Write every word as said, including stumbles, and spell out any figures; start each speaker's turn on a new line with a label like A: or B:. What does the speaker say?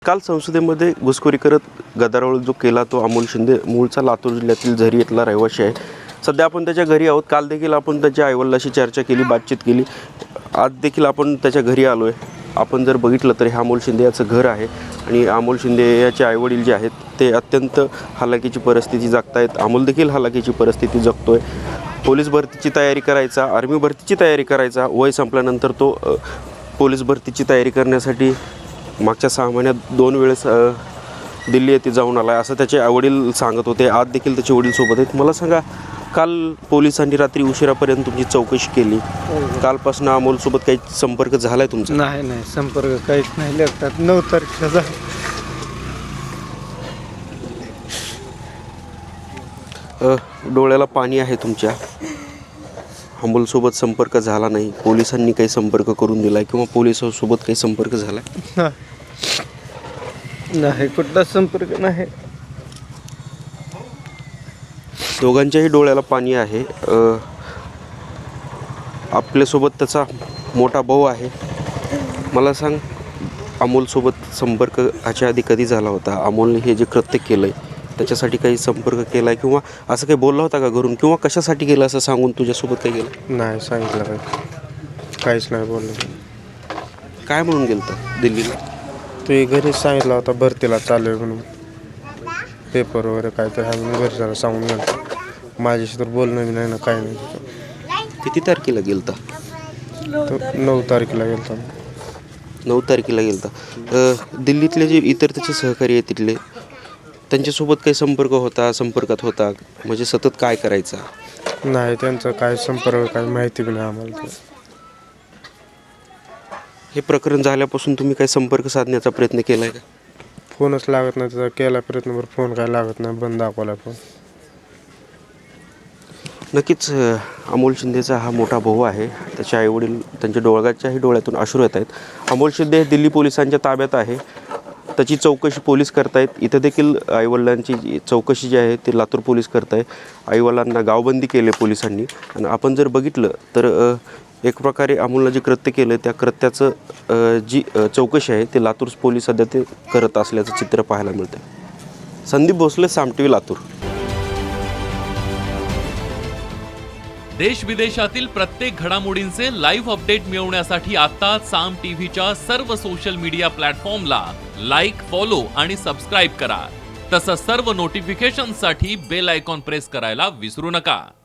A: काल संसदेमध्ये घुसखोरी करत गदारोळ जो केला तो अमोल शिंदे मूळचा लातूर जिल्ह्यातील झरी येथला रहिवासी आहे. सध्या आपण त्याच्या घरी आहोत. काल देखील आपण त्याच्या आईवडिलांशी चर्चा केली, बातचीत केली. आज देखील आपण त्याच्या घरी आलो आहे. आपण जर बघितलं तर हे अमोल शिंदे याचं घर आहे आणि अमोल शिंदे याचे आईवडील जे आहेत ते अत्यंत हालाकीची परिस्थिती जगत आहेत. अमोल देखील हालाकीची परिस्थिती जगतो आहे. पोलीस भरतीची तयारी करायचा, आर्मी भरतीची तयारी करायचा, वय संपल्यानंतर तो पोलीस भरतीची तयारी करण्यासाठी मागच्या सहा महिन्यात दोन वेळेस दिल्ली येथे जाऊन आला आहे असं त्याचे आईवडील सांगत होते. आज देखील त्याचे वडील सोबत आहेत. मला सांगा, काल पोलिसांनी रात्री उशिरापर्यंत तुमची चौकशी केली. कालपासून अमोलसोबत काही संपर्क झाला आहे तुमचा?
B: नाही नाही संपर्क काहीच नाही. लागतात नऊ तारखेला
A: डोळ्याला पाणी आहे तुमच्या. अमोलसोबत संपर्क झाला नाही, पोलिसांनी काही संपर्क करून दिला किंवा पोलिसांसोबत काही संपर्क झाला
B: नाही, कुठला संपर्क नाही.
A: दोघांच्याही डोळ्याला पाणी आहे. आपल्यासोबत त्याचा मोठा भाऊ आहे. मला सांग, अमोलसोबत संपर्क ह्याच्या आधी कधी झाला होता? अमोलने हे जे कृत्य केलं आहे त्याच्यासाठी काही संपर्क केला आहे किंवा असं काही बोलला होता का घरून, किंवा कशासाठी केलं असं सांगून तुझ्यासोबत काही गेलं?
B: नाही सांगितलं काही, काहीच नाही बोललं.
A: काय म्हणून गेलं होतं दिल्लीला?
B: तू घरीच सांगितलं होता भरतीला चालू आहे म्हणून, पेपर वगैरे काय तर आहे म्हणून घरी जाणं सांगून गेलं. माझ्याशी तर बोलणं बी नाही ना, काय नाही.
A: किती तारखेला गेलं होतं?
B: नऊ तारखेला गेलो.
A: नऊ तारखेला गेलं होतं. दिल्लीतले जे इतर त्याचे सहकारी आहेत तिथले, त्यांच्यासोबत काही संपर्क होता, संपर्कात होता म्हणजे सतत काय करायचा?
B: नाही, त्यांचा काय संपर्क काय माहिती बी नाही आम्हाला.
A: हे प्रकरण झाल्यापासून तुम्ही काही संपर्क साधण्याचा प्रयत्न केला आहे का?
B: फोनच लागत नाही. त्याचा केला प्रयत्न, फोन काय लागत नाही, बंद दाखवला फोन.
A: नक्कीच अमोल शिंदेचा हा मोठा भाऊ आहे. त्याचे आईवडील, त्यांच्या डोळ्याच्याही डोळ्यातून अश्रू येत आहेत. अमोल शिंदे हे दिल्ली पोलिसांच्या ताब्यात आहे. त्याची चौकशी पोलीस करतायत. इथं देखील आईवडिलांची चौकशी जी आहे ती लातूर पोलीस करत आहे. आईवडिलांना गावबंदी केले पोलिसांनी. आणि आपण जर बघितलं तर एक प्रकारे अमोलनं जे कृत्य केलं त्या कृत्याचं जी चौकशी आहे ते लातूर पोलीस सध्या ते करत असल्याचं चित्र पाहायला मिळतं. Sandeep Bhosale, Saam T V, Latur.
C: देश विदेशातील प्रत्येक घडामोडींचे लाईव्ह अपडेट मिळवण्यासाठी आता साम टीव्हीच्या सर्व सोशल मीडिया प्लॅटफॉर्मला लाईक, फॉलो आणि सबस्क्राईब करा. तसंच सर्व नोटिफिकेशनसाठी बेल आयकॉन प्रेस करायला विसरू नका.